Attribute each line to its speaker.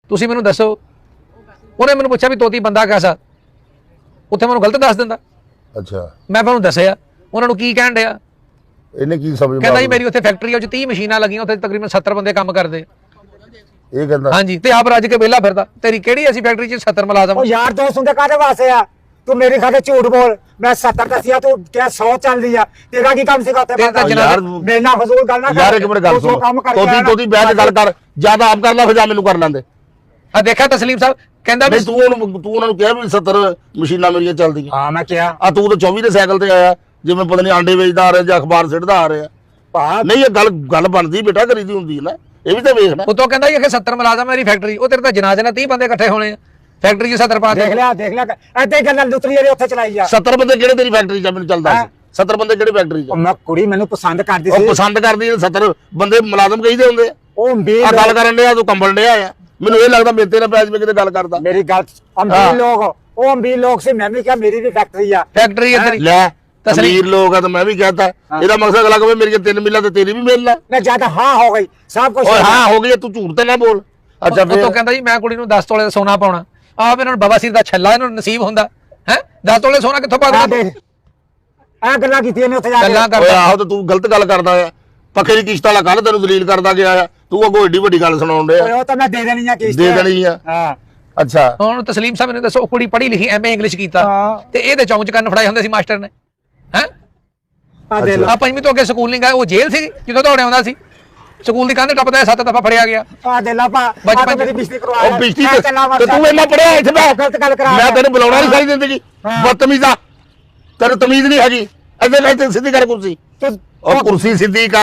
Speaker 1: ਤੁਸੀਂ ਮੈਨੂੰ ਦੱਸੋ। ਉਹਨੇ ਮੈਨੂੰ ਪੁੱਛਿਆ ਵੀ ਤੋਤੀ ਬੰਦਾ ਕੈਸਾ, ਉੱਥੇ ਮੈਨੂੰ ਗਲਤ ਦੱਸ ਦਿੰਦਾ।
Speaker 2: ਅੱਛਾ
Speaker 1: ਮੈਂ ਤੁਹਾਨੂੰ ਦੱਸਿਆ ਉਹਨਾਂ ਨੂੰ ਕੀ ਕਹਿਣ ਡਿਆ।
Speaker 2: ਇਹਨੇ ਕੀ ਸਮਝ
Speaker 1: ਕਹਿੰਦਾ ਜੀ ਮੇਰੀ ਉੱਥੇ ਫੈਕਟਰੀ ਆ, ਉਹ 'ਚ 30 ਮਸ਼ੀਨਾਂ ਲੱਗੀਆਂ, ਉੱਥੇ ਤਕਰੀਬਨ 70 ਬੰਦੇ ਕੰਮ ਕਰਦੇ।
Speaker 2: ਇਹ ਕਹਿੰਦਾ
Speaker 1: ਹਾਂਜੀ, ਤੇ ਆਪ ਰੱਜ ਕੇ ਵਿਹਲਾ ਫਿਰਦਾ। ਤੇਰੀ ਕਿਹੜੀ ਅਸੀਂ ਫੈਕਟਰੀ 'ਚ 70 ਮੁਲਾਜ਼ਮ।
Speaker 3: यार दोस्त उनके काटे वास्ते आ तू मेरे खाते झूठ बोल। मैं 70 दसिया तू क्या 100 चल रही है। तेरा की काम सिखाते
Speaker 1: तेरा तो
Speaker 2: यार
Speaker 3: मेरे ना फजूल गल ना
Speaker 2: यार एक मिनट गल सुन ਤੋਤੀ ਬਹਿ ਕੇ ਗੱਲ ਕਰ, ਜਿਆਦਾ ਆਪ ਕਰ ਲੈ ਫਿਰ ਜਾ ਮੈਨੂੰ ਕਰ ਲੈਂਦੇ।
Speaker 1: ਆ ਦੇਖਿਆ ਤਸਲੀਮ ਸਾਹਿਬ ਕਹਿੰਦਾ ਵੀ
Speaker 2: ਨਹੀਂ ਤੂੰ ਉਹਨਾਂ ਨੂੰ ਕਿਹਾ ਵੀ 70 ਮਸ਼ੀਨਾਂ ਮੇਰੀਆਂ ਚੱਲਦੀਆਂ।
Speaker 3: हां मैं क्या
Speaker 2: ਆ ਤੂੰ ਤਾਂ 24 ਦੇ ਸਾਈਕਲ ਤੇ ਆਇਆ, ਜਿਵੇਂ ਪਤਾ ਨਹੀਂ ਆਂਡੇ ਵੇਚਦਾ ਆ ਰਿਹਾ ਜਾਂ ਅਖਬਾਰ ਸਿੱਟਦਾ ਆ ਰਿਹਾ। ਨਹੀਂ ਇਹ ਗੱਲ ਬਣਦੀ ਬੇਟਾ, ਕਰੀਦੀ ਹੁੰਦੀ ਹੈ ਨਾ, ਇਹ ਵੀ ਤਾਂ ਵੇਖਣਾ।
Speaker 1: ਉਤੋਂ ਕਹਿੰਦਾ ਜੀ ਕਿ 70 ਮੁਲਾਜ਼ਮ ਮੇਰੀ ਫੈਕਟਰੀ। ਉਹ ਤੇਰੇ ਤਾਂ ਜਨਾਜ਼ੇ ਨਾਲ 30 ਬੰਦੇ ਇਕੱਠੇ ਹੋਣੇ ਆ, ਫੈਕਟਰੀ 'ਚ 70 ਪਾ ਦੇ।
Speaker 3: देख लिया ऐसे गल लुतरी जेडी ਉੱਥੇ ਚਲਾਈ ਜਾ।
Speaker 2: 70 ਬੰਦੇ ਕਿਹੜੇ ਤੇਰੀ ਫੈਕਟਰੀ 'ਚ ਮੈਨੂੰ ਚੱਲਦਾ ਸੀ? 70 ਬੰਦੇ ਕਿਹੜੇ ਫੈਕਟਰੀ 'ਚ?
Speaker 3: ਮੈਂ ਕੁੜੀ ਮੈਨੂੰ ਪਸੰਦ ਕਰਦੀ
Speaker 2: ਉਹ
Speaker 3: ਸੀ।
Speaker 2: ਪਸੰਦ ਕਰਦੀ 70 ਬੰਦੇ ਮੁਲਾਜ਼ਮ ਕਹੀਦੇ ਹੁੰਦੇ ਆ।
Speaker 3: ਉਹ
Speaker 2: ਆ ਗੱਲ ਕਰਨ ਡਿਆ ਤੂੰ ਕੰਬਲ ਡਿਆ ਆ, ਮੈਨੂੰ ਇਹ ਲੱਗਦਾ ਮੇਰੇ ਤੇ ਨਾ ਪੈਜ ਵਿੱਚ ਕਿਤੇ ਗੱਲ ਕਰਦਾ।
Speaker 3: ਮੇਰੀ ਗੱਲ ਅਮੀਰ ਲੋਕ, ਉਹ ਅਮੀਰ ਲੋਕ ਸੀ। ਮੈਂ ਵੀ ਕਿਹਾ ਮੇਰੀ ਵੀ ਫੈਕਟਰੀ ਆ।
Speaker 1: ਫੈਕਟਰੀ ਇੱਧਰ
Speaker 2: ਲੈ ਅਮੀਰ ਲੋਕ ਆ ਤਾਂ ਮੈਂ ਵੀ ਕਹਤਾ, ਇਹਦਾ ਮਕਸਦ ਅਲੱਗ ਹੋਵੇ ਮੇਰੀਆਂ 3 ਮਿਲਾਂ ਤੇ ਤੇਰੀ ਵੀ ਮਿਲ ਲੈ।
Speaker 3: ਮੈਂ ਜਦ ਹਾਂ ਹੋ ਗਈ ਸਭ ਕੁਝ।
Speaker 2: ਓਏ ਹਾਂ ਹੋ ਗਈ, ਤੂੰ ਝੂਠ ਤੇ ਨਾ ਬੋਲ। ਅੱਛਾ ਫਿਰ
Speaker 1: ਉਤੋਂ ਕਹਿੰਦਾ ਜੀ ਮੈਂ ਕੁੜੀ ਨੂੰ 10 ਤੋਲੇ ਦਾ ਸੋਨਾ ਪਾਉਣਾ। ਆਪ ਇਹਨਾਂ ਨੂੰ ਬਵਾਸੀਰ ਦਾ ਛੱਲਾ ਇਹਨਾਂ ਨੂੰ ਨਸੀਬ ਹੁੰਦਾ ਹੈ। 10 ਤੋਲੇ ਸੋਨਾ ਕਿੱਥੋਂ ਪਾ
Speaker 3: ਆ
Speaker 1: ਦੇ?
Speaker 3: ਦੇਖ ਇਹ ਗੱਲਾਂ ਕੀਤੀਆਂ ਨੇ ਉੱਥੇ ਜਾ
Speaker 1: ਗੱਲਾਂ
Speaker 3: ਕੇ।
Speaker 2: ਓਏ
Speaker 1: ਕਰਦਾ।
Speaker 2: ਆਹੋ ਤੇ ਤੂੰ ਗਲਤ ਗੱਲ ਕਰਦਾ ਆ। ਪੱਖੇ ਦੀ ਕਿਸ਼ਤ ਵਾਲਾ ਕੱਲ ਤੈਨੂੰ ਦਲੀਲ ਕਰਦਾ ਗਿਆ ਆ, ਤੂੰ ਅੱਗੋਂ ਏਡੀ ਵੱਡੀ ਗੱਲ ਸੁਣਾਉਣ ਡਿਆ।
Speaker 3: ਓਏ ਉਹ ਤਾਂ ਮੈਂ ਦੇ ਦੇਣੀ ਆ ਕਿਸ਼ਤ।
Speaker 2: ਦੇ ਦੇਣੀ ਆ।
Speaker 3: ਹਾਂ
Speaker 2: ਅੱਛਾ
Speaker 1: ਹੁਣ ਤਸਲੀਮ ਸਾਹਿਬ ਨੇ ਦੱਸੋ, ਉਹ ਕੁੜੀ ਪੜ੍ਹੀ ਲਿਖੀ ਐਮਏ ਇੰਗਲਿਸ਼ ਕੀਤਾ
Speaker 3: ਹਾਂ।
Speaker 1: ਤੇ ਇਹਦੇ ਚੌਂਚ ਕੰਨ ਫੜਾਏ ਹੁੰਦੇ ਸੀ ਮਾਸਟਰ ਨੇ ਹੈ।
Speaker 3: ਆ ਦੇ ਲੋ।
Speaker 1: ਆ ਪੰਜਵੀਂ ਤੋਂ ਅੱਗੇ ਸਕੂਲ ਨਹੀਂ ਗਏ, ਉਹ ਜੇਲ੍ਹ ਸੀ ਜਦੋਂ ਦੌੜਿਆ ਹੁੰਦਾ ਸੀ। ਸਕੂਲ ਦੀ ਕੰਧ ਟੱਪਦਾ 7 ਦਫਾ ਫੜਿਆ ਗਿਆ।
Speaker 3: ਆ ਦੇ ਲਾ ਪਾ
Speaker 1: ਬਚਪਨ
Speaker 3: ਆ ਮੇਰੀ ਬਿਜਲੀ ਕਰਵਾ
Speaker 2: ਉਹ ਬਿਜਲੀ ਤੇ ਤੂੰ ਇੰਨਾ ਪੜਿਆ ਇੱਥੇ ਬੈ।
Speaker 3: ਗਲਤ ਗੱਲ ਕਰਾ।
Speaker 2: ਮੈਂ ਤੈਨੂੰ ਬੁਲਾਉਣਾ ਨਹੀਂ ਸਾਰੀ ਜ਼ਿੰਦਗੀ। ਬਦਤਮੀਜ਼ਾ, ਤੈਨੂੰ ਤਮੀਜ਼ ਨਹੀਂ ਹੈਗੀ। ਇੱਥੇ ਲੈ ਤੇ ਸਿੱਧੀ ਕਰ ਕੁਰਸੀ। ਉਹ ਕੁਰਸੀ ਸਿੱਧੀ ਕਰ।